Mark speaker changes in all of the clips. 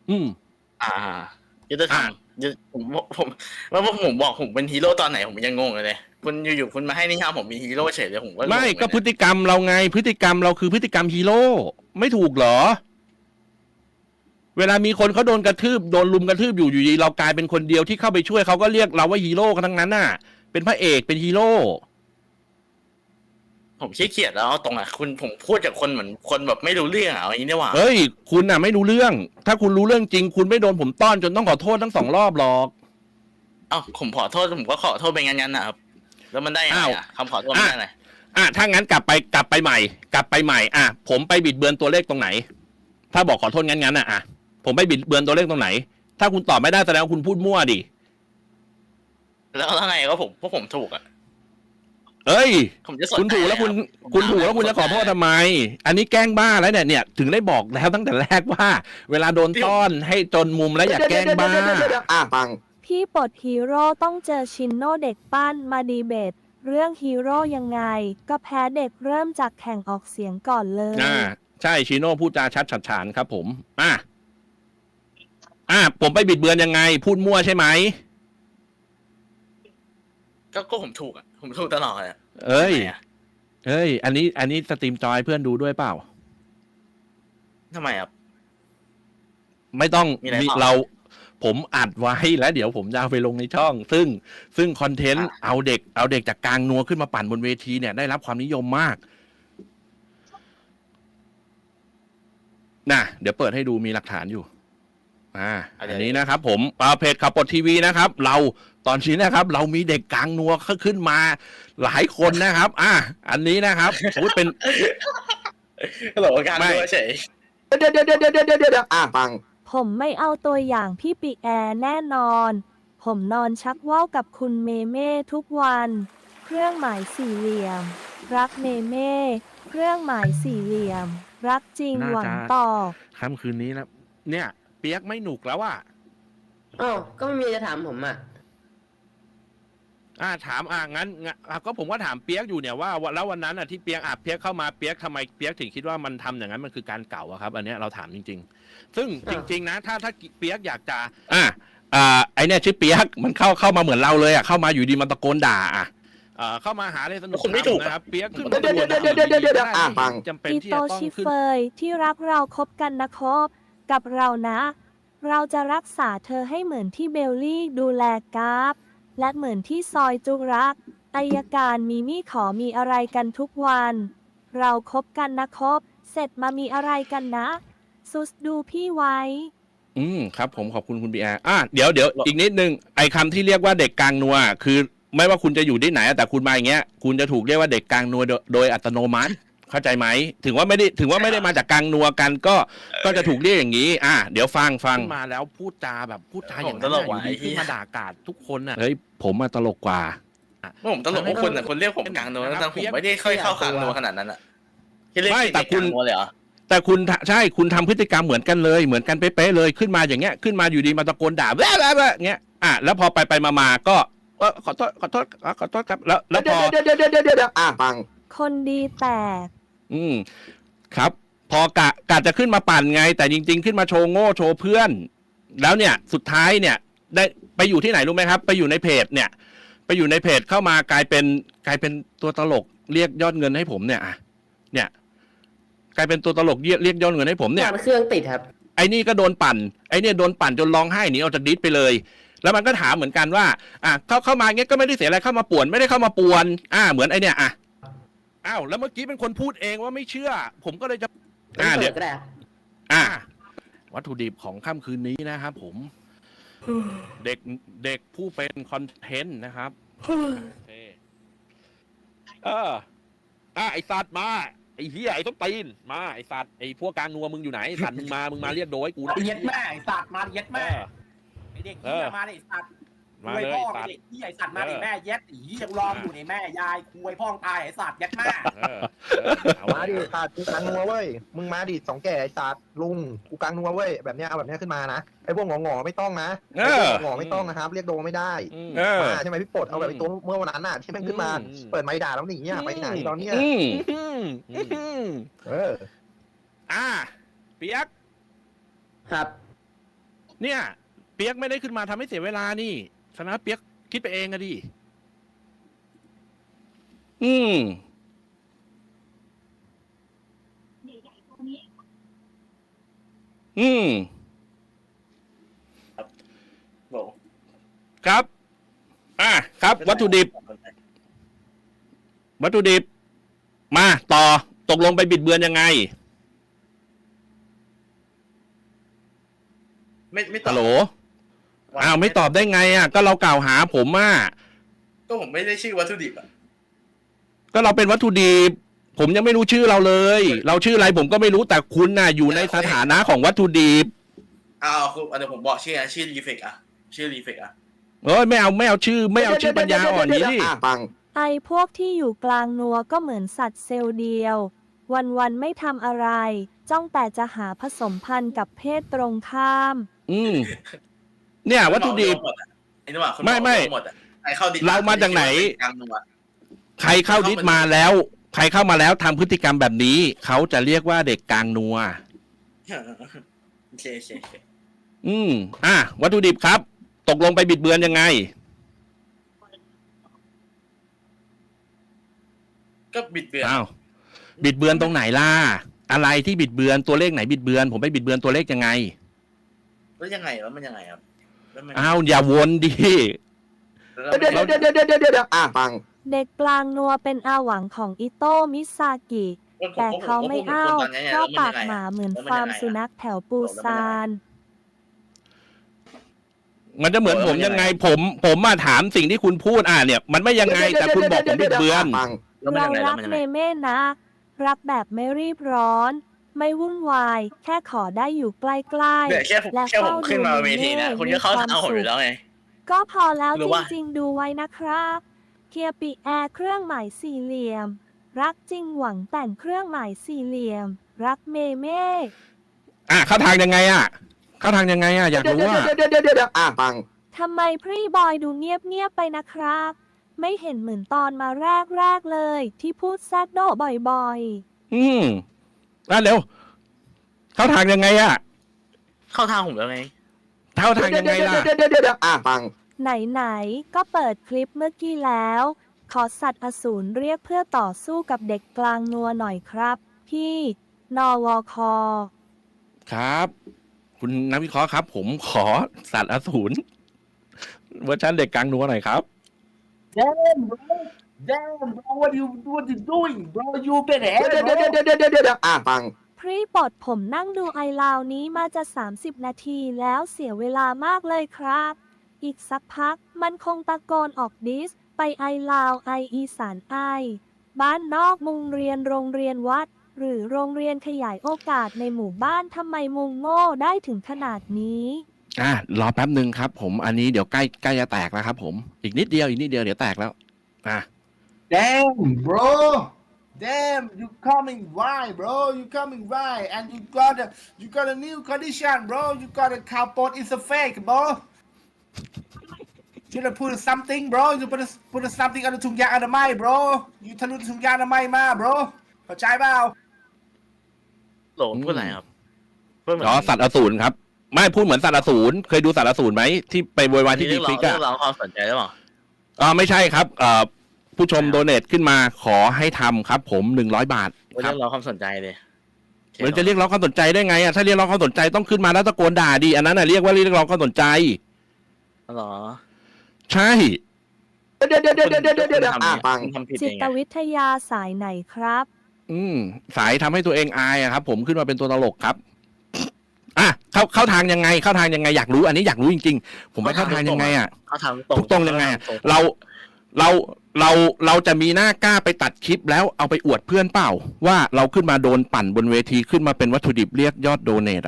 Speaker 1: อืม
Speaker 2: อ่ายุทธธรรมผมแล้วผมบอกผมเป็นฮีโร่ตอนไหนผมยังงงเลยคุณอยู่ๆคุณมาให้นิยามผมเป็นฮีโร่เฉยเลยผมก็งง
Speaker 1: ไม่ก็
Speaker 2: เลย
Speaker 1: พฤติกรรมเราไงพฤติกรรมเราคือพฤติกรรมฮีโร่ไม่ถูกเหรอเวลามีคนเขาโดนกระทืบโดนลุมกระทืบอยู่ดีเรากลายเป็นคนเดียวที่เข้าไปช่วยเขาก็เรียกเราว่าฮีโร่กันทั้งนั้นน่ะเป็นพระเอกเป็นฮีโร่
Speaker 2: ผมขี้เกียจแล้วตรงอ่ะผมพูดจากคนเหมือนคนแบบไม่รู้เรื่องอ่ะอย่างนี้ได้ว่า
Speaker 1: เฮ้ยคุณน่ะไม่รู้เรื่องถ้าคุณรู้เรื่องจริงคุณไม่โดนผมต้อนจนต้องขอโทษทั้ง2 รอบหรอก
Speaker 2: เอ้าผมขอโทษผมก็ขอโทษไปงั้นนะครับแล้วมันได้ยังไงอ่ะคำขอโทษมันได้ไง
Speaker 1: ถ้างั้นกลับไปใหม่ผมไปบิดเบือนตัวเลขตรงไหนถ้าบอกขอโทษงั้นอ่ะผมไปบิดเบือนตัวเลขตรงไหนถ้าคุณตอบไม่ได้แสดงว่าคุณพูดมั่วดิ
Speaker 2: แล้วไงก็พวกผมถูกอ่ะ
Speaker 1: เอ้ย
Speaker 2: ผมจะสน
Speaker 1: คุณถูกแล้วคุณถูกแล้วคุณจะขอโทษทำไมอันนี้แกล้งบ้าแล้วเนี่ยถึงได้บอกแล้วตั้งแต่แรกว่าเวลาโดนต้อนให้จนมุมแล้วอย่าแกล้งบ้า
Speaker 3: ฟัง
Speaker 4: พี่ปลดฮีโร่ต้องเจอชินโนเด็กปั้นมาดีเบตเรื่องฮีโร่ยังไงก็แพ้เด็กเริ่มจากแข่งออกเสียงก่อนเลย
Speaker 1: ใช่ชิโน่พูดจาชัดฉัดฉานครับผมผมไปบิดเบือนยังไงพูดมั่วใช่ไหม
Speaker 2: ก็ผมถูกอ่ะผมถูกตลอดอ่ะ
Speaker 1: เอ้ยอันนี้สตรีมจอยเพื่อนดูด้วยเปล่า
Speaker 2: ทำไมครับ
Speaker 1: ไม่ต้องผมอัดไว้แล้วเดี๋ยวผมจะเอาไปลงในช่องซึ่งคอนเทนต์เอาเด็กจากกลางนัวขึ้นมาปั่นบนเวทีเนี่ยได้รับความนิยมมากเดี๋ยวเปิดให้ดูมีหลักฐานอยู่อันนี้นะครับผมเพจขับปลดทีวีนะครับเราตอนนี้นะครับเรามีเด็กกลางนัวขึ้นมาหลายคนนะครับอันนี้นะครับเป็น
Speaker 2: ก็บอกว่าการนัวเฉย
Speaker 3: เดี๋ยวฟัง
Speaker 4: ผมไม่เอาตัวอย่างพี่ปีแอร์แน่นอนผมนอนชักว่าวกับคุณเมเม่ทุกวันเครื่องหมายสี่เหลี่ยมรักเมเม่เครื่องหมายสี่เหลี่ยมรักจริงหวังต่อ
Speaker 1: ค่ำคืนนี้แล้วเนี่ยเปียกไม่หนุกแล้ว
Speaker 5: ก็ไม่มีจะถามผม
Speaker 1: ถามงั้นก็ผมก็ถามเปียกอยู่เนี่ยว่าแล้ววันนั้นที่เปียกเข้ามาเปียกทำไมเปียกถึงคิดว่ามันทำอย่างนั้นมันคือการเก่าครับอันนี้เราถามจริงๆซึ่งจริงๆนะถ้าเปียกอยากจะไอเนี่ยชื่อเปียกมันเข้ามาเหมือนเราเลยเข้ามาอยู่ดีมันตะโกนด่าเข้ามาหาเลยสนุกนะครับเปียกขึ้นมา
Speaker 3: ฟัง
Speaker 1: จำเป็นที่
Speaker 4: จะต้องชิเฟยที่รักเราคบกันนะครับกับเรานะเราจะรักษาเธอให้เหมือนที่เบลลี่ดูแลกราฟและเหมือนที่ซอยจุรักอัยการมีมี่ขอมีอะไรกันทุกวันเราคบกันนะครับเสร็จมามีอะไรกันนะซุสดูพี่ไว้
Speaker 1: ครับผมขอบคุณคุณบีอาร์เดี๋ยวอีกนิดนึงไอ้คำที่เรียกว่าเด็กกลางนัวคือไม่ว่าคุณจะอยู่ที่ไหนแต่คุณมาอย่างเงี้ยคุณจะถูกเรียกว่าเด็กกลางนัวโดยอัตโนมัติเข้าใจไหมถึงว่าไม่ได้มาจากกลางนัวกันก็จะถูกเรียกอย่างนี้เดี๋ยวฟังมาแล้วพูดจาอย่างนั้นอยู่ดีขึ้นมาด่ากาดทุกคนเฮ้ยผมมาตลกกว่า
Speaker 2: ผมตลกพวกคนเรียกผมกลางนัวแต่ผมไม่ได้ค่อยเข้ากลางนัวขนาดนั้น
Speaker 1: ไม่แต่คุณแต่คุณใช่คุณทำพฤติกรรมเหมือนกันเลยเหมือนกันเป๊ะๆเลยขึ้นมาอย่างเงี้ยขึ้นมาอยู่ดีมาตะโกนด่าแว่เงี้ยแล้วพอไปมาก็ขอโทษครับแล้วพอ
Speaker 3: ฟัง
Speaker 4: คนดีแต่
Speaker 1: ครับพอกะจะขึ้นมาปั่นไงแต่จริงๆขึ้นมาโชว์โง่โชว์เพื่อนแล้วเนี่ยสุดท้ายเนี่ยได้ไปอยู่ที่ไหนรู้ไหมครับไปอยู่ในเพจเนี่ยไปอยู่ในเพจเข้ามากลายเป็นตัวตลกเรียกยอดเงินให้ผมเนี่ยกลายเป็นตัวตลกเรียกยอดเงินให้ผมเนี่ย
Speaker 5: เครื่องติดครับ
Speaker 1: ไอ้นี่ก็โดนปั่นไอ้เนี่ยโดนปั่นจนร้องไห้หนีออกจากดิสไปเลยแล้วมันก็ถามเหมือนกันว่าเข้ามาเงี้ยก็ไม่ได้เสียอะไรเข้ามาป่วนไม่ได้เข้ามาป่วนเหมือนไอ้เนี่ยแล้วเมื่อกี้เป็นคนพูดเองว่าไม่เชื่อผมก็เลยจะ
Speaker 5: เดี๋ยว
Speaker 1: วัตถุดิบของค่ำคืนนี้นะครับผมเด็กผู้เป็นคอนเทนต์นะครับไอสัตว์มาไอเหี้ยไอต้นตีนมาไอสัตว์ไอพวกกลางนัวมึงอยู่ไหนสัตว์มึงมาเรียกโดยกู
Speaker 6: เย็ดแม่ไอสัตว์มาเย็ดแม่ไอเด็กเหี้ยมาไอสัตว์คุยพ่อไอเด็กเหี้ยไอสัตว์มาไอแม่เย็ดไอเหี้ยรออยู่ในแม่ยายคุยพ่อตายไอสัตว์เย็ดแม่
Speaker 3: มาดิสัตว์กูกลางนัวเว้ยมึงมาดิ2 แก่ไอสัตว์ลุงกูกลางนัวเว้ยแบบเนี้ยเอาแบบเนี้ยขึ้นมานะไอพวกงอไม่ต้องนะไอพวกงอไม่ต้องนะครับเรียกโดไม่ได้ใช่ไหมพี่ปลดเอาแบบตัวเมื่อวันนั้นน่ะที่แม่งขึ้นมาเปิดไม้ด่าแล้วหนีไปไหนตอนเนี้ย
Speaker 1: เปียก
Speaker 5: ครับ
Speaker 1: เนี่ย เปียกไม่ได้ขึ้นมาทำให้เสียเวลานี่ฉะนั้นเปียกคิดไปเองอะดิอืม อืม
Speaker 2: บอก
Speaker 1: ครับ ครับ วัตถุดิบ มาต่อตกลงไปบิดเบือนยังไง
Speaker 2: ไม่ตอบ
Speaker 1: ฮัลโหลอ้าวไม่ตอบได้ไงอ่ะก็เรากล่าวหาผมอ่ะ
Speaker 2: ก็ผมไม่ได้ชื่อวัตถุดิบอ่ะ
Speaker 1: ก็เราเป็นวัตถุดิบผมยังไม่รู้ชื่อเราเลย เราชื่ออะไรผมก็ไม่รู้แต่คุณน่ะอยู่ในสถานะของวัตถุดิบ
Speaker 2: คือเดี๋ยวผมบอกชื่อนะชื่อรีเฟกอ่ะชื่อรีเฟกอ่ะ
Speaker 1: เอ้ยไม่เอาชื่อปัญญาอ่อนนี้ดิ
Speaker 3: ปัง
Speaker 4: ไอพวกที่อยู่กลางนัวก็เหมือนสัตว์เซลล์เดียว วันๆไม่ทำอะไร จ้องแต่จะหาผสมพันธุ์กับเพศตรงข้าม
Speaker 1: อืมเนี่ยวัตถุดิบ
Speaker 2: ไอ้นี่ว่าคน
Speaker 1: ไม่
Speaker 2: หมดอ่ะใครเข้าดิ
Speaker 1: เรามาจากไหน
Speaker 2: กลางนัว
Speaker 1: ใครเข้าดิสมาแล้ว ใครเข้ามาแล้วทำพฤติกรรมแบบนี้ เขาจะเรียกว่าเด็กกลางนัว
Speaker 2: โอเค
Speaker 1: วัตถุดิบครับ ตกลงไปบิดเบือนยังไง
Speaker 2: ก็บิดเบือน
Speaker 1: อ้าวบิดเบือนตรงไหนล่ะอะไรที่บิดเบือนตัวเลขไหนบิดเบือนผมไปบิดเบือนตัวเลขยังไง
Speaker 2: แล้วยังไงแล้วมันยังไงครับแล้วมัน
Speaker 1: อ้าวอย่าวนดิ
Speaker 2: แล้ว
Speaker 3: เดี๋ยวปัง
Speaker 4: เด็กกลางนัวเป็นอาหวังของอิโตะมิซากิ แต่เขาไม่อ้าวเพราะปากหมาเหมือนฟาร์มสุนัขแถวปูซาน
Speaker 1: มันจะเหมือนผมยังไง ผมมาถามสิ่งที่คุณพูดเนี่ยมันไม่ยังไง แต่คุณบอกผมบิดเบือน
Speaker 2: แล้วมัน
Speaker 4: เรา
Speaker 2: ยังไง
Speaker 4: รั
Speaker 2: แล้ว
Speaker 4: ก
Speaker 2: มันยัง
Speaker 4: เม
Speaker 2: ไง
Speaker 4: เม่นะ รักแบบไม่รีบร้อน ไม่วุ่นวาย แค่ขอได้อยู่ใกล้
Speaker 2: เนี่ยแค่ผม
Speaker 4: และ
Speaker 2: แค่ผม
Speaker 4: เฝ้า
Speaker 2: ขึ้นมา
Speaker 4: ดู
Speaker 2: เวทีนะ
Speaker 4: เมเม่
Speaker 2: คุณก็เข้า
Speaker 4: มีความ
Speaker 2: ทางผม
Speaker 4: สุข
Speaker 2: อยู่แล้วไง
Speaker 4: ๆ ก็พอแล้ว
Speaker 2: หรือ
Speaker 4: จ
Speaker 2: ว่า
Speaker 4: ริงๆ ดูไว้นะครับ เคียปิแอร์เครื่องหมายสี่เหลี่ยม รักจริงหวังแต่งเครื่องหมายสี่เหลี่ยม รักเมเม่
Speaker 1: เข้าทางยังไงเข้าทางยังไงอยากรู้ว่า
Speaker 3: ปัง
Speaker 4: ทำไมพรีบอยดูเงียบๆไปนะครับ ไม่เห็นเหมือนตอนมาแรกๆเลย ที่พูดแซดโดบ่อยๆ
Speaker 1: เร็วเข้าทางยังไง
Speaker 2: เข้าทางผมแล้วไง
Speaker 1: เข้าทางยังไงล่ะ
Speaker 3: ปัง
Speaker 4: ไหนๆ ก็เปิดคลิปเมื่อกี้แล้ว ขอสัตว์อสูรเรียกเพื่อต่อสู้กับเด็กกลางนัวหน่อยครับ พี่นวค
Speaker 1: ครับ คุณนักวิเคราะห์ครับ ผมขอสัตว์อสูรเวอร์ชันเด็กกลางนัวหน่อยครับ
Speaker 6: Damn bro what you doing bro you better
Speaker 3: ปัง
Speaker 4: พรีปลดผมนั่งดูไอลาวนี้มาจะ 30 นาทีแล้วเสียเวลามากเลยครับ อีกสักพักมันคงตะโกนออกดิส ไปไอลาวไออีสานไอ บ้านนอกมุงเรียนโรงเรียนวัด หรือโรงเรียนขยายโอกาสในหมู่บ้านทำไมมุงโง่ได้ถึงขนาดนี้
Speaker 1: รอแป๊บหนึ่งครับ ผมอันนี้เดี๋ยวใกล้จะแตกแล้วครับ ผมอีกนิดเดียวเดี๋ยวแตกแล้ว
Speaker 6: Damn bro Damn you coming right bro you coming right and you got a new condition bro you got a cowpot is a fake bro you should put something bro you put something on the ถุงยางอนามัย bro you ทะลุถุงยางอนามัยมา bro เข้าใจเปล่า
Speaker 2: โหลพูดอะไรครับพูดเหมือน
Speaker 1: สัตว์อสูรครับ ไม่พูดเหมือนสัตว์อสูรเคยดูสัตว์อสูรไหมที่ไปโวยวายที่ดีฟิก
Speaker 2: เรียกร้องความสนใจหรือเปล่า
Speaker 1: ไม่ใช่ครับผู้ชมโดเนทขึ้นมาขอให้ทำครับ ผม100 บาท
Speaker 2: เรี
Speaker 1: ครับ
Speaker 2: ยกร้องความสนใจเลย
Speaker 1: มันจะเรียกร้องความสนใจได้ไงถ้าเรียกร้องความสนใจต้องขึ้นมาแล้วตะโกนด่าดีอันนั้นเรียกว่าเรียกร้องความสนใจ
Speaker 2: หรอ
Speaker 1: ใช่
Speaker 3: ปัง
Speaker 2: ทำผิด
Speaker 4: จิ
Speaker 2: เอง
Speaker 4: ตวิทยาสายไหนครับ
Speaker 1: สายทำให้ตัวเองอายครับ ผมขึ้นมาเป็นตัวตลกครับเข้าทางยังไงอยากรู้อันนี้อยากรู้จริงๆผมไปเข้าทางยังไง
Speaker 2: เขาทำ
Speaker 1: ถูกต้องยังไงเราจะมีหน้ากล้าไปตัดคลิปแล้วเอาไปอวดเพื่อนเปล่าว่าเราขึ้นมาโดนปั่นบนเวทีขึ้นมาเป็นวัตถุดิบเรียกยอดโดเนท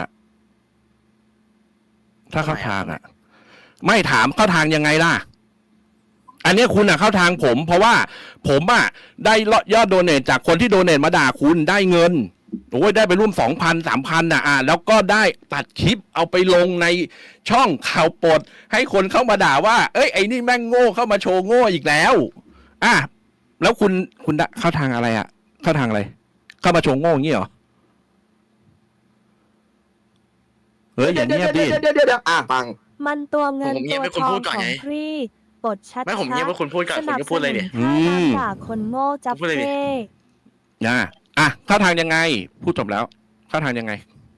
Speaker 1: ถ้าเข้าทางไม่ถามเข้าทางยังไงล่ะอันนี้คุณเข้าทางผมเพราะว่าผมได้ยอดโดเนทจากคนที่โดเนทมาด่าคุณได้เงินโอ้ยได้ไปร่วม 2,000 3,000แล้วก็ได้ตัดคลิปเอาไปลงในช่องข่าวปดให้คนเข้ามาด่าว่าเอ้ยไอ้นี่แม่งโง่เข้ามาโชว์โง่อีกแล้วแล้วคุณเข้าทางอะไรเข้าทางอะไรเข้ามาโชว์โง่อย่างนี้เหรอเฮ้ยอย่าเงียบดิ
Speaker 3: เดี๋ยวฟัง
Speaker 4: มันตัวเงิน
Speaker 2: ผมเงี
Speaker 4: ตั
Speaker 2: ยว บให้คุณ
Speaker 4: ทอ
Speaker 2: พู
Speaker 4: ง
Speaker 2: ดก่อน
Speaker 4: ของ
Speaker 2: ไง
Speaker 4: พรีบทชัด
Speaker 2: ไม่ผมเงียบให้คุณพูดก่อน
Speaker 4: สนับ
Speaker 2: คุณก็
Speaker 4: ส
Speaker 2: พูดเล
Speaker 4: นุ
Speaker 2: ย
Speaker 4: น
Speaker 2: ดิ
Speaker 4: ท่าน้ำด่าคนโง่จับ
Speaker 2: พูดเลยดิ
Speaker 4: เท่
Speaker 1: เข้าทางยังไง พูดจบแล้ว เข้าทางยังไง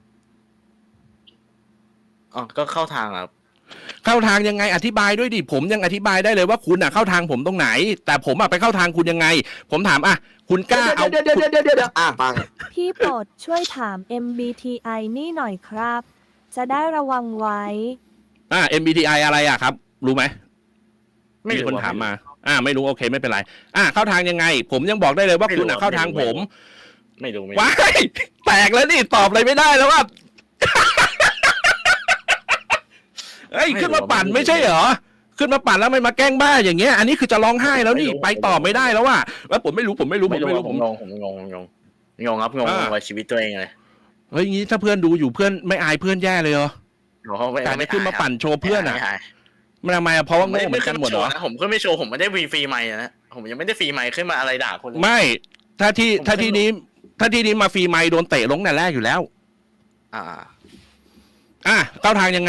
Speaker 2: อ๋อก็เข้าทางครับ
Speaker 1: เข้าทางยังไงอธิบายด้วยดิผมยังอธิบายได้เลยว่าคุณเข้าทางผมตรงไหน แต่ผมไปเข้าทางคุณยังไง ผมถามคุณกล้าเอา
Speaker 3: เดี๋ยวฟัง
Speaker 4: พี่โปรดช่วยถาม MBTI นี่หน่อยครับ จะได้ระวังไว้
Speaker 1: MBTI อะไรครับ รู้ไหม
Speaker 2: ไม่
Speaker 1: มี
Speaker 2: รู้
Speaker 1: คนถามมา ไม่รู้โอเคไม่เป็นไรเข้าทางยังไง ผมยังบอกได้เลยว่าคุณเข้าทางผม
Speaker 2: ไม่รู้
Speaker 1: ว้ายแตกแล้วนี่ตอบอะไรไม่ได้แล้วว่า เฮ้ยขึ้นมาปั่นไม่ใช่เหรอขึ้นมาปั่นแล้วไม่มาแกล้งบ้าอย่างเงี้ยอันนี้คือจะร้องไห้แล้วนี่ไปต่อไม่ได้แล้วว่าผมไม่รู้
Speaker 2: ผมงงครับงงว่าชีวิตตัวเองเลย
Speaker 1: เฮ้ยงี้ถ้าเพื่อนดูอยู่เพื่อนไม่อายเพื่อนแย่เลยเหรอการไม่ขึ้นมาปั่นโชว์เพื่อนมันทำไมเพราะว่าโง่เหมือนกันหมดเหรอ
Speaker 2: ผมก็ไม่โชว์ผมไม่ได้ฟรีไมค์นะผมยังไม่ได้ฟรีไมค์ขึ้นมาอะไรด่าคน
Speaker 1: ไม่ถ้าที่นี้มาฟรีไมค์โดนเตะลงแต่แรกอยู่แล้วเข้าทางยังไง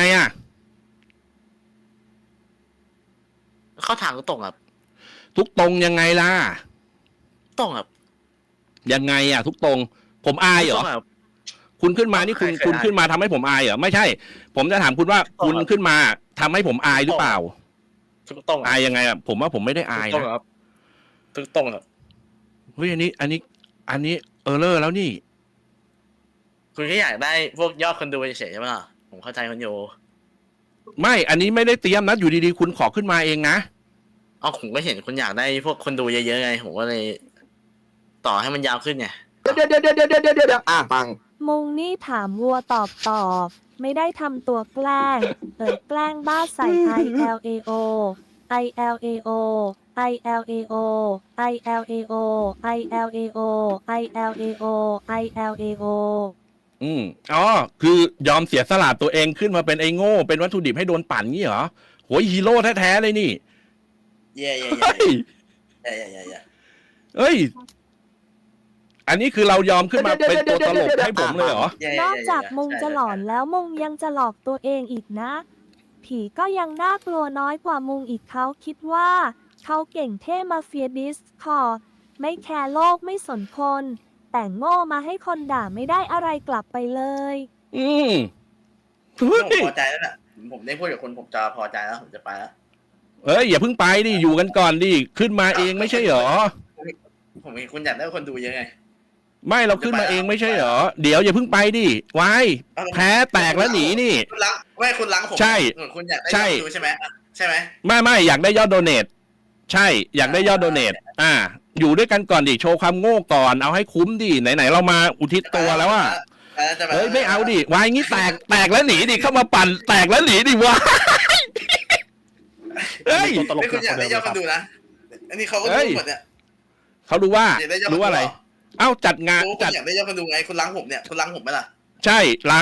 Speaker 2: เข้าทางก็ตรงครับ
Speaker 1: ทุกตรงยังไงล่ะ
Speaker 2: ตรงครับ
Speaker 1: ยังไงทุกตรงผมอายเหรอคุณขึ้นมานี่คุณขึ้นมาทำให้ผมอายเหรอไม่ใช่ ผมจะถามคุณว่าคุณขึ้นมาทำให้ผมอายหรือเปล่า
Speaker 2: ทุกตรง
Speaker 1: อายยังไงผมว่าผมไม่ได้อายนะ
Speaker 2: ทุกตรงครับ
Speaker 1: เฮ้ยอันนี้เออเลอร์แล้วนี่
Speaker 2: คุณแค่อยากได้พวกยอดคนดูเฉยๆใช่ไหมล่ะผมเข้าใจคนโย
Speaker 1: ไม่อันนี้ไม่ได้เตรียมนะอยู่ดีๆคุณขอขึ้นมาเองนะ
Speaker 2: ผมก็เห็นคุณอยากได้พวกคนดูเยอะๆไงผมก็เลยต่อให้มันยาวขึ้นไง
Speaker 3: เดี๋ยวฟัง
Speaker 4: มุงนี่ถามวัวตอบไม่ได้ทำตัวแกล้งแกล้งบ้าใส่ ILAO ILAO ILAO ILAO ILAO ILAO ILAO
Speaker 1: คือยอมเสียสละตัวเองขึ้นมาเป็นไอ้โง่เป็นวัตถุดิบให้โดนปั่นงี้เหรอโหยฮีโร่แท้ๆเลยนี่
Speaker 2: เย่
Speaker 1: เฮ้ยอันนี้คือเรายอมขึ้นมาเป็นตัวตลกให้ผมเลยเหรอ
Speaker 4: นอกจากมุงจะหลอนแล้วมุงยังจะหลอกตัวเองอีกนะ ผีก็ยังน่ากลัวน้อยกว่ามุงอีกเขาคิดว่าเขาเก่งเท่มาเฟียดิสคอร์ไม่แคร์โลกไม่สนคน แต่โง่มาให้คนด่าไม่ได้อะไรกลับไปเลย
Speaker 2: ผมพอใจแล้วน่ะผมได้พูดกับคุณผมจะพอใจแล้วผมจะไปแล้ว
Speaker 1: เอ้ยอย่าเพิ่งไปดิอยู่กันก่อนดิขึ้นมาเองไม่ใช่เหรอ
Speaker 2: ผมเห็นคุณอยากได้คนดูเยอะไง
Speaker 1: ไม่เราขึ้นมาเองไม่ใช่เหรอเดี๋ยวอย่าเพิ่งไปดิไว้แพ้แตกแล้วหนีนี่
Speaker 2: คุณล้างไม่คุณล้างผม
Speaker 1: ใช่
Speaker 2: คุณอยากได้คนดูใช่ไหมใช่ไหม
Speaker 1: ไม่อยากได้ยอดโดเนทใช่อยากได้ยอดโดเนทอยู่ด้วยกันก่อนดิโชว์ความโง่ก่อนเอาให้คุ้มดิไหนเรามาอุทิศตัวแล้วเฮ้ยไม่เอาดิวายงี้แตกแล้วหนีดิเข้ามาปั่นแตกแล้วหนีดิวะเฮ้ย
Speaker 2: ไม่คุณอยากได้ยอดคนดูนะอันนี้เขาก็รู้หมดเนี่ย
Speaker 1: เขารู้ว่าอะไรเอ้าจัดงาน
Speaker 2: จัดอยากได้ยอดคนดูไงคุณล้างผมเนี่ยคุณล้างผมไหมล่ะ
Speaker 1: ใช่ล้าง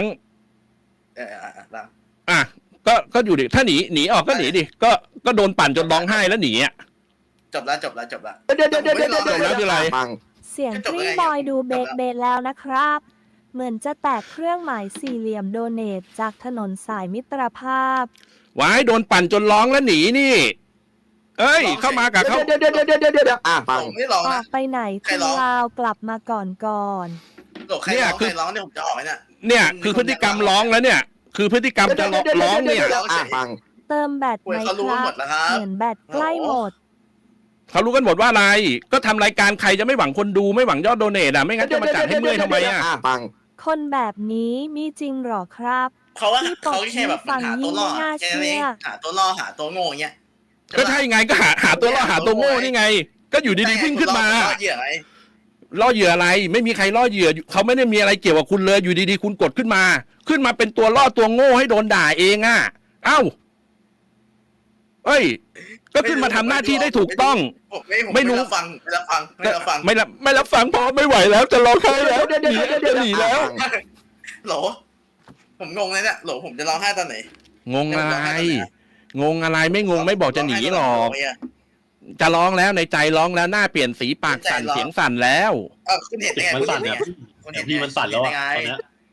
Speaker 2: ล้าง
Speaker 1: ก็อยู่ดิถ้าหนีออกก็หนีดิก็โดนปั่นจนร้องไห้แล้วหนี
Speaker 2: จบแล้ว
Speaker 3: เดี๋ยวแล้ว
Speaker 1: คืออะไร
Speaker 4: เสียงฟรีบอยดูเบสแล้วนะครับ เหมือนจะแตกเครื่องหมายสี่เหลี่ยมโดเนทจากถนนสายมิตรภาพ
Speaker 1: ว้ายโดนปั่นจนร้องแล้วหนีนี่เอ้ยเข้ามากับเขา
Speaker 3: เดี๋ยวฟัง
Speaker 2: ผมไม่ร้อง
Speaker 4: ออ
Speaker 2: นะ
Speaker 4: กไปไหนคุณลาวกลับมาก่อน
Speaker 2: ใครร้องเนี่ยผมจะออกเนี่ย
Speaker 1: เนี่ยคือพฤติกรรมร้องแล้วเนี่ย คือพฤติกรรมจะร้องเนี่ย
Speaker 3: ฟัง
Speaker 4: เติมแบตไหมครับเหมือนแบตใกล้หมด
Speaker 1: เขารู้กันหมดว่าอะไรก็ทำรายการใครจะไม่หวังคนดูไม่หวังยอดโดเนทไม่งั้นจะมาจัดให้เมื่อยทำไม
Speaker 3: ฟัง
Speaker 4: คนแบบนี้มีจริงหรอครับ
Speaker 2: เขาแค่แบบหาตัวล่อแค่นี้หาตัวล่อหาตัวโง่เงี้ย
Speaker 1: ก็ใช่ไงก็หาตัวล่อหาตัวโง่นี่ไง ก็อยู่ดีๆวิ่งขึ้นมาล่อเหยื่ออะไรไม่มีใครล่อเหยื่อเขาไม่ได้มีอะไรเกี่ยวกับคุณเลยอยู่ดีๆคุณกดขึ้นมาเป็นตัวล่อตัวโง่ให้โดนด่าเองเอ้าเอ้ยก็ขึ้นมาทำหน้าที่ได้ถูกต้องไม่รู้
Speaker 2: ฟังไม่รับ
Speaker 1: ฟังพอไม่ไหวแล้วจะร้องไห้แล้วหนีแล้ว
Speaker 2: โหลผมงงเลยเนี่ยโหลผมจะร้องไห้ตอนไหน
Speaker 1: งงอะไรไม่งงไม่บอกจะหนีหรอกจะร้องแล้วในใจร้องแล้วหน้าเปลี่ยนสีปากสั่นเสียงสั่นแล้ว
Speaker 2: คุณเห็นยังไง
Speaker 7: มันสั่นเนี่ยพี่มันสั่นแล้วตอนนี้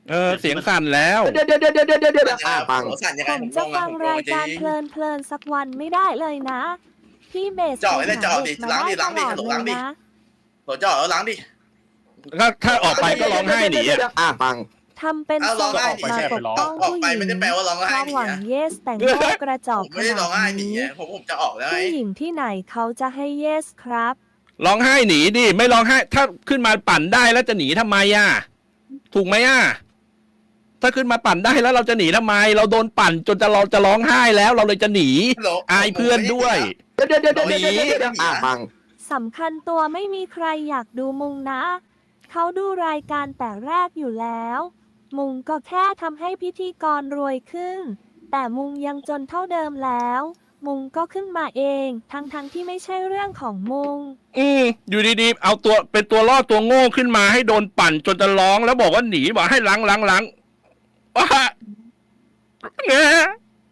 Speaker 1: เสียงสั่นแล้ว
Speaker 3: เดี๋ยวฟัง
Speaker 2: หัวสั่นยัง
Speaker 4: ผ
Speaker 2: ไง
Speaker 4: ม
Speaker 2: ผม
Speaker 4: จะ
Speaker 2: งง
Speaker 4: ฟั
Speaker 2: อะ
Speaker 4: ง
Speaker 2: ผมง
Speaker 4: ราง ย
Speaker 2: จริ
Speaker 4: การ
Speaker 2: ง
Speaker 4: เพลินๆสักวันไม่ได้เลยนะ พี่เบส
Speaker 2: เจาะเลย
Speaker 4: ห
Speaker 2: เจาะดิ
Speaker 4: เด็กมา
Speaker 2: ล้างดิ
Speaker 4: ได้
Speaker 2: ล้างดิ
Speaker 4: ตลอด
Speaker 2: ล้างดิ
Speaker 4: เลยนะ
Speaker 2: หัวเจาะแล้วล้างดิ
Speaker 1: ถ้าออกไปก็ร้องไห้หนีอะ
Speaker 3: ฟัง
Speaker 4: ทำเป็น
Speaker 2: เอา
Speaker 4: ท
Speaker 2: ร้
Speaker 4: ร
Speaker 2: อง
Speaker 4: ง
Speaker 2: ไห้
Speaker 4: ออก
Speaker 2: หนี
Speaker 4: มา
Speaker 2: ใช่
Speaker 4: ปกป้อง
Speaker 2: ออก
Speaker 4: ผู้ห
Speaker 2: ไป
Speaker 4: ญิง
Speaker 2: ไม่ได้แปลว่าร้อง
Speaker 4: ค
Speaker 2: ไห้
Speaker 4: วาม
Speaker 2: หนี
Speaker 4: หวัง
Speaker 2: อะ
Speaker 4: เยสแต่งโง่กระจอก
Speaker 2: ผม
Speaker 4: ข
Speaker 2: ไม่ได้ร้
Speaker 4: นา
Speaker 2: อง
Speaker 4: ด
Speaker 2: ไห้หนี
Speaker 4: นี้
Speaker 2: อะผมจะออกแล้วไง
Speaker 4: ผู้หญิงที่ไหนเขาจะให้เยสครับ
Speaker 1: ร้องไห้หนีดิไม่ร้องไห้ ถ้าขึ้นมาปั่นได้แล้วจะหนีทำไมอ่ะถูกไหมอ่ะถ้าขึ้นมาปั่นได้แล้วเราจะหนีทำไม เราโดนปั่นจนเราจะร้องไห้แล้วเราเลยจะหนี อายเพื่อนด้วย
Speaker 3: ฟัง
Speaker 4: สำคัญตัวไม่มีใครอยากดูมุงนะ เขาดูรายการแต่แรกอยู่แล้ว มุงก็แค่ทำให้พิธีกรรวยขึ้น แต่มุงยังจนเท่าเดิมแล้ว มุงก็ขึ้นมาเอง ทั้งที่ไม่ใช่เรื่องของมุง
Speaker 1: อยู่ดีๆเอาตัวเป็นตัวล่อตัวโง่ขึ้นมาให้โดนปั่นจนจะร้องแล้วบอกว่าหนีบอกให้ล้างว่าเงี้ย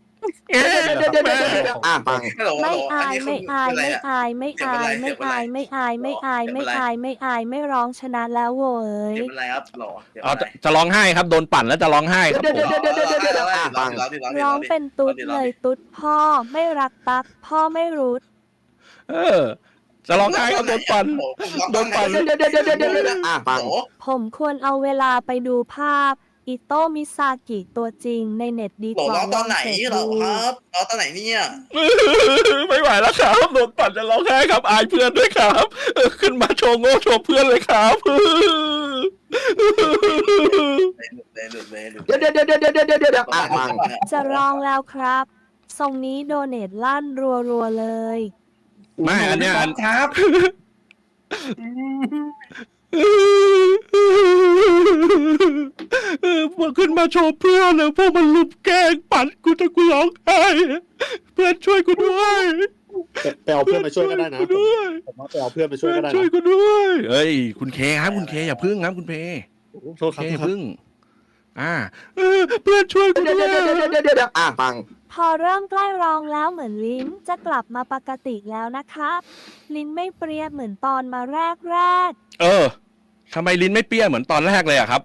Speaker 3: ฟัง
Speaker 4: ไม่อายไม่อายไม่อายไม่อายไม่อายไม่อายไม่อายไม่อายไม่อายไม่ร้องชนะแล้วโว้ย
Speaker 2: เดี๋ยวเป็นไรครับหรอเดี๋ยว
Speaker 1: อ๋อจะร้องไห้ครับโดนปั่นแล้วจะร้องไห้ครับผม
Speaker 4: ร้องเป็นตุ๊ดเลยตุ๊ดพ่อไม่รักตักพ่อไม่รู้
Speaker 1: จะร้องไห้ก็โดนปั่นโดนปั่น
Speaker 3: ฟัง
Speaker 4: ผมควรเอาเวลาไปดูภาพ อิโตะมิซากิตัวจริงในเน็ตดี
Speaker 2: หล
Speaker 4: กว่า
Speaker 2: ร้องตอนไหน
Speaker 4: ลงเสิร์ช
Speaker 2: หรอ
Speaker 4: ดู
Speaker 2: ครับร้องตอนไหนเนี่ย
Speaker 1: ไม่ไหวแล้วครับโดนปั่นจะร้องไห้ครับอายเพื่อนด้วยครับขึ้นมาโชว์โง่โชว์เพื่อนเลยครับ
Speaker 3: ฟัง
Speaker 4: จะร้องแล้วครับ ทรงนี้โดเนทลั่นรัวๆเลย
Speaker 1: ไม่อันเนี้ย
Speaker 6: ครับ
Speaker 1: พอขึ้นมาโชว์เพื่อนเลยพวกมันลุมแกล้งปั่นกูจะกูร้องไห้เพื่อนช่วยกูด้วย
Speaker 7: ไปเอาเพื่อนมาช่วยก็ได้นะ
Speaker 1: ด้วย
Speaker 7: ผมว่าไปเอาเพื่อนมาช่วยก็ได้
Speaker 1: ช่วย
Speaker 7: นะ
Speaker 1: กูด้วยเอ้ยคุณเคครับคุณเคอย่าพึ่งครับคุณเพ
Speaker 7: โทษครับ
Speaker 1: เคอย่าพึ่งเพื่อนช่วยกูด้วย
Speaker 3: ฟัง
Speaker 4: พอเริ่มใกล้ร้องแล้วเหมือนลิ้นจะกลับมาปกติแล้วนะครับ ลิ้นไม่เปรี้ยเหมือนตอนมาแรก
Speaker 1: ทำไมลิ้นไม่เปี้ยเหมือนตอนแรกเลยอะครับ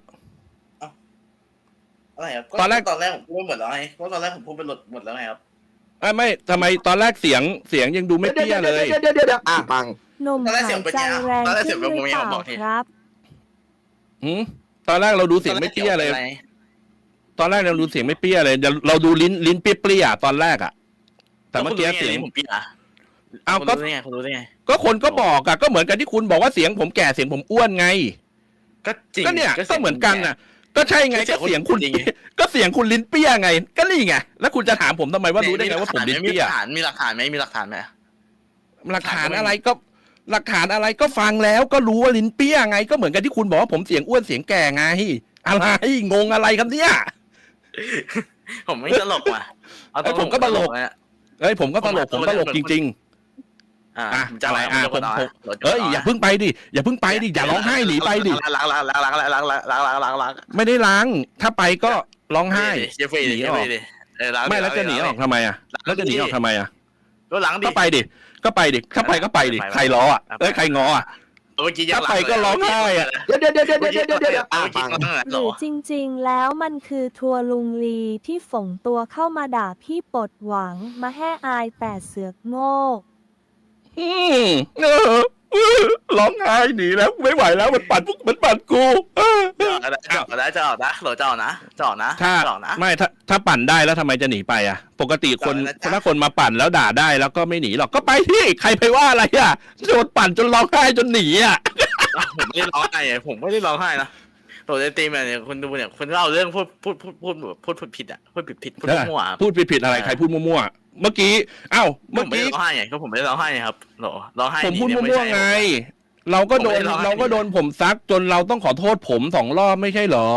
Speaker 2: อะไรครับ
Speaker 1: ตอนแรก
Speaker 2: ผมพูดหมดแล้วไงเพราะตอนแรกผมพูดไปหมดแล้วไงครับ
Speaker 1: ไม่ทำไมตอนแรกเสียงยังดูไม่เปี้ยเลย
Speaker 3: ฟัง
Speaker 4: ๆหนุ่มหายใจแรงขึ้นหรือเปล่าครับ
Speaker 1: ตอนแรกเราดูเสียงไม่เปี้ยเลย ตอนแรกเราดูเสียงไม่เปี้ยเลยเราดูลิ้นเปี้ยๆตอนแรกอะแต่เมื่อกี้เสียง
Speaker 2: ผมปี๊ะ
Speaker 1: เอา
Speaker 2: คุณ
Speaker 1: ก็
Speaker 2: รู้ได้ไงคุณรู้ได้ไง
Speaker 1: ก็คนก็บอกอะก็เหมือนกันที่คุณบอกว่าเสียงผมแก่เสียงผมอ้วนไง
Speaker 2: ก็จริง
Speaker 1: ก็เนี่ย
Speaker 2: สี
Speaker 1: ก็
Speaker 2: ยง
Speaker 1: เหมือนกันน่ะ ก็ใช่ไง
Speaker 2: ก็
Speaker 1: ก็
Speaker 2: เสี
Speaker 1: เสี
Speaker 2: ย
Speaker 1: ย
Speaker 2: ง
Speaker 1: ง
Speaker 2: คุ
Speaker 1: คุณ ณ
Speaker 2: จริงไง
Speaker 1: ก็เสียงคุณลิ้นเปี้ยไง ก็นี่ไงแล้วคุณจะถามผมทำไมว่ารู้ได้ไงว่าผมลิ้นเปี้ย
Speaker 2: มีหลักฐานไหมมีหลักฐานไหม
Speaker 1: หลักฐานอะไรก็ฟังแล้วก็รู้ว่าลิ้นเปี้ยไง ก็เหมือนกันที่คุณบอกว่าผมเสียงอ้วนเสียงแก่ไงอะไรงงอะไรครับเนี่ย
Speaker 2: ผมไม่ตลกว่ะ
Speaker 1: ผมก็ตลก
Speaker 2: นะ
Speaker 1: เอ้ยผมก็ตลกจริงๆ
Speaker 2: จะ
Speaker 1: อะไร
Speaker 2: ผม
Speaker 1: เอ้ยอย่าเพิ่งไปดิอย่าร้องไห้หนีไปดิ
Speaker 2: ล้าง
Speaker 1: ไม่ได้ล้างถ้าไปก็ร้องไห้
Speaker 2: เจฟฟี่
Speaker 1: หนีออก ไม่แล้วจะหนีออกทำไมอ่ะแล้วจะหนีออกทำไมอ่ะ
Speaker 2: ก็ล้างดิ
Speaker 1: ก็ไปดิถ้าไปก็ไปดิใครล้ออ่ะใครงออ่ะ
Speaker 2: เมื่อกี้ยัง
Speaker 1: ถ้าไปก็ร้องไห้อะ
Speaker 3: ฟัง
Speaker 4: หรือจริงๆ แล้วมันคือทัวร์ลุงลีที่ฝงตัวเข้ามาด่าพี่ปดหวังมาแห่อายแต่เสือกโง่
Speaker 1: ร้องไห้หนีแล้วไม่ไหวแล้วมันปั่นกู
Speaker 2: จะออกนะจะออกนะจะออกนะ
Speaker 1: ถ้าปั่นได้แล้วทำไมจะหนีไปอ่ะ ปกติคนถ้าคนมาปั่นแล้วด่าได้แล้วก็ไม่หนีหรอกก็ไปที่ใครไปว่าอะไรอ่ะโดนปั่นจนร้องไห้จนหนีอ่ะ
Speaker 2: ผมไม่ได้ร้องไห้ผมไม่ได้ร้องไห้นะตัวในตีมเนี่ยคุณดูเนี่ยคุณเล่าเรื่องพูดผิดอ่ะพูดผิดพูดมั่ว
Speaker 1: พูดผิดอะไรใครพูดมั่วๆเมื่อกี้เมื่อ
Speaker 2: ไม่
Speaker 1: กี้
Speaker 2: ได้ร้องไห้ไงก็ผมไม่ได้ร้องไห้ครับร้องไห้
Speaker 1: ผมพูดมั่วๆไง เราก็โดนผมซักจนเราต้องขอโทษผม2 รอบไม่ใช่เหรอ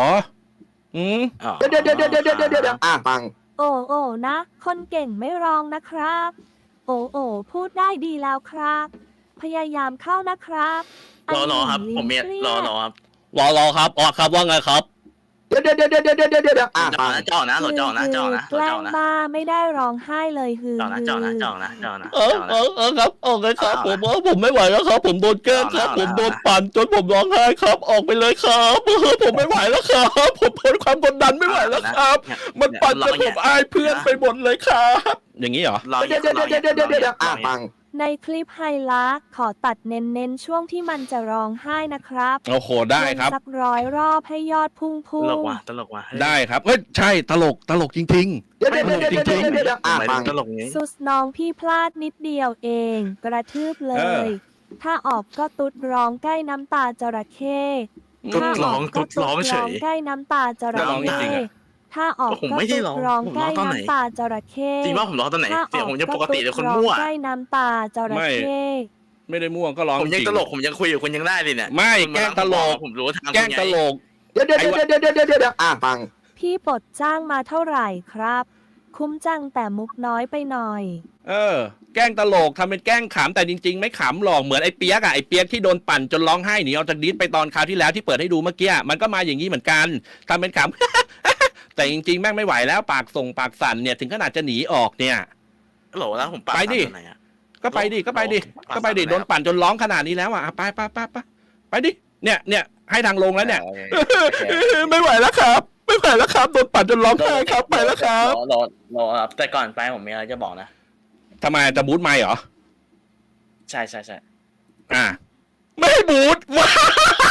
Speaker 3: ฟัง
Speaker 4: โอ้นะ คนเก่งไม่ร้องนะครับ โอ้พูดได้ดีแล้วครับ พยายามเข้านะครับ
Speaker 2: รอครับผมมีรอครับ
Speaker 1: รอครับอ๋อครับว่าไงครับ
Speaker 3: ดี๋ยวอ่ะ
Speaker 2: จอนะจอนะจอนะจอนะ
Speaker 4: แกล้
Speaker 2: จ
Speaker 4: ง
Speaker 2: อนะ
Speaker 4: บ้าไม่ได้ร้องไห้เลยฮือ
Speaker 2: จอนะจอนะจอนะจอนะ
Speaker 1: ครับออกเลยครับผมไม่ไหวแล้วครับ ผมโดนแกล้งครับผมโดนปั่นจนผมร้องไห้ครับออกไปเลยครับผมไม่ไหวแล้วครับผมทนความกดดันไม่ไหวแล้วครับ มันปั่นจนผมอายเพื่อนไปหมดเลยครับ อย่างนี้เหรอ
Speaker 3: เดี๋ยวอ่ะฟัง
Speaker 4: ในคลิปไฮไลท์ขอตัดเน้นช่วงที่มันจะร้องไห้นะครับ
Speaker 1: โอ้โหได้ครับ
Speaker 4: สัก100 รอบให้ยอดพุ่ง
Speaker 2: ตลกว่ะตลกว่ะ
Speaker 1: ได้ครับเฮ้ยใช่ตลกจริง
Speaker 3: เดี๋ยวอ่ะฟัง
Speaker 2: ตลกนี้
Speaker 4: สุดน้องพี่พลาดนิดเดียวเอง กระทืบเลย ถ้าออกก็ตุดร้องใกล้น้ำตาจระเข้
Speaker 2: ตุ๊ด
Speaker 4: ถ้า
Speaker 2: ร้
Speaker 4: อ
Speaker 2: อ
Speaker 4: อง กก็
Speaker 2: ตุ๊ดร้องเฉย
Speaker 4: ใกล้น้ำตาจระ
Speaker 1: ร้องจริ
Speaker 4: เข้
Speaker 1: งๆอะ
Speaker 4: ถ้าออก
Speaker 2: ผม
Speaker 4: ก็
Speaker 2: ไม่ได้
Speaker 4: ตุ
Speaker 2: ร้อง
Speaker 4: ดร้อง
Speaker 2: ผม
Speaker 4: ใก
Speaker 2: ร้
Speaker 4: ล้
Speaker 2: องตอนไหน
Speaker 4: น้ำตาจระเข้
Speaker 2: จริงว่าผมร้องตอนไหน
Speaker 4: ถ้า
Speaker 2: เสียงผมยังปกติเลยคน
Speaker 4: ร้อง
Speaker 2: มั่ว
Speaker 4: ใกล้น้ำตาจระเข้
Speaker 1: ไม่ได้ม่วงก็ร้อง
Speaker 2: ผมยัง
Speaker 1: จริ
Speaker 2: ตลกผมยังคุยกับคุณยังได้เลยเนี่ย
Speaker 1: ไม่แกล้งตลก
Speaker 2: ผมรู้ทาง
Speaker 1: แกล้งตลก
Speaker 3: เดี๋ยวอ่ะฟัง
Speaker 4: พี่ปลดจ้างมาเท่าไหร่ครับ คุ้มจังแต่มุกน้อยไปหน่อย
Speaker 1: แกล้งตลกทำเป็นแกล้งขำแต่จริงๆไม่ขำหรอกเหมือนไอ้เปียกอะไอ้เปียกที่โดนปั่นจนร้องไห้หนีออกจากดิสไปตอนคราวที่แล้วที่เปิดให้ดูเมื่อกี้มันก็มาอย่างนี้เหมือนกันทำเป็นขำ แต่จริงๆแม่งไม่ไหวแล้วปากส่งปากสั่นเนี่ยถึงขนาดจะหนีออกเนี่ย
Speaker 2: โหลแล้วผมปา
Speaker 1: ไปดิ
Speaker 2: ไหนอะ
Speaker 1: ก็ไปดิโดนปั่นจนร้องขนาดนี้แล้วอ่ะไปดิเนี่ยให้ทางลงแล้วเนี่ย ไม่ไหวแล้วครับโดนปั่นจนร้องไห้ครับไปแล้วครับ
Speaker 2: รอแต่ก่อนไปผมมีอะไรจะบอกนะ
Speaker 1: ทำไมจะบูทไม่เหรอ
Speaker 2: ใช่
Speaker 1: ไม่ให้บูทว้า